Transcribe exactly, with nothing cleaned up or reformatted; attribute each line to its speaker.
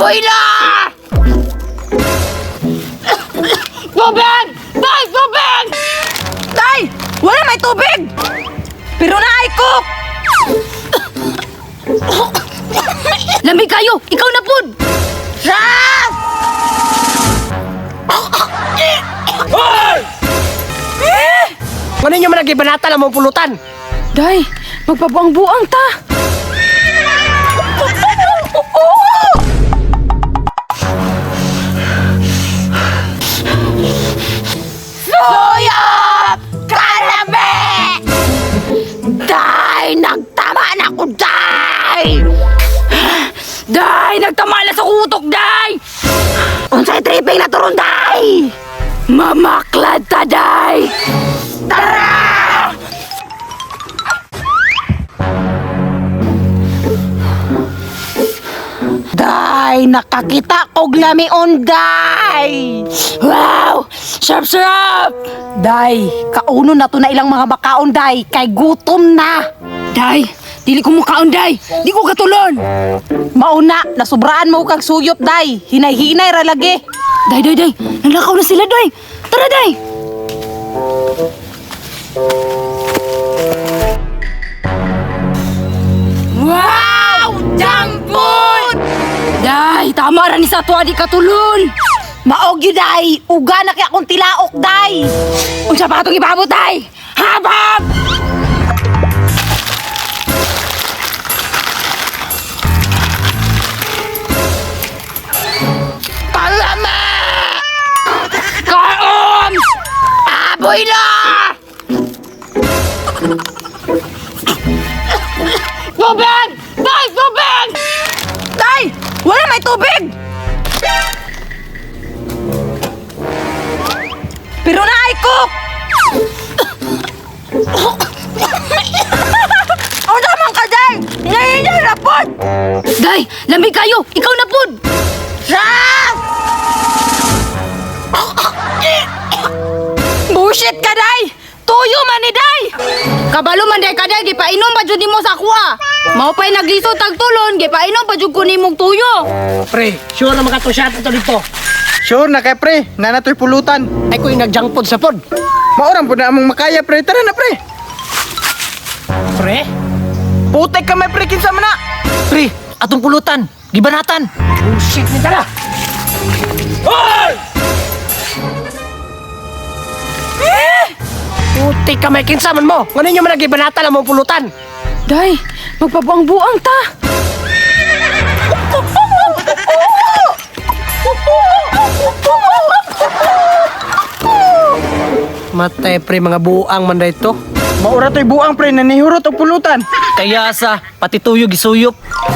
Speaker 1: Apoy na! Tubig! Day! Tubig!
Speaker 2: Day! Wala may tubig! Pero naay cook!
Speaker 1: Lamig kayo! Ikaw na pud!
Speaker 2: Ras!
Speaker 3: Ano nyo man nagibanata lang mong pulutan?
Speaker 2: Day, magpabuang-buang ta!
Speaker 1: Suyop! Kalabi! Day! Nagtama na ko, Day! Day! Nagtama na sa kutok, Day! Unsay tripping na turon, Day! Mamaklad ta, Day! Tara! Day! Nakakita kog lamion, Day! Wow! Sarap, sarap!
Speaker 2: Day, kauno na to na ilang mga bakaon, Day, kay gutom na!
Speaker 1: Day! Dili ko mukaon, Day! Di ko katulon!
Speaker 2: Mauna, nasubraan mo kang suyop, Day. Hinay-hinay ra lagi.
Speaker 1: Day, Day, Day! Nalakaw na sila, Day! Tara, Day! Wow! Jampon! Day! Tama ra ni sa tuwa di katulon!
Speaker 2: Maog yun, Day. Uga na kaya akong tilaok, Day.
Speaker 1: Unsa pa katong ibabot, Day? Habab! Palama! Kaon! Aboy na! Tubig! Day! Tubig!
Speaker 2: Day, wala may tubig. Pero naay cook. O naman ka, Day. Hinahinay na po.
Speaker 1: Day! Lamig kayo! Ikaw na pud!
Speaker 2: Ras! Bullshit ka, Day. Tuyo man ni Day.
Speaker 1: Kabalo man day ka day, gipainom pa jud nimo sa kuha. Mao pa'y naglisod tag tulon, gipainom pa jud ko nimong tuyo.
Speaker 3: Pre, sure na makatusyat ito dito. Sure na kay pre, nanatoy pulutan. Ay ko yung nag-junk food sa pod. Maurang po na among makaya pre, tara na pre. Pre? Putek ka may pre, kinsa man na. Pre, atong pulutan, gibanatan. Oh shit, ni tara. Hoy! Eh! Putek ka may kinsa man mo. Ngano nyo man nagibanatan ang mong pulutan?
Speaker 2: Day, magpabuang-buang ta.
Speaker 3: Matay pre, mga buang man dito. Maura to'y buang pre, nanihurot o pulutan. Kaya sa, pati tuyo gisuyop.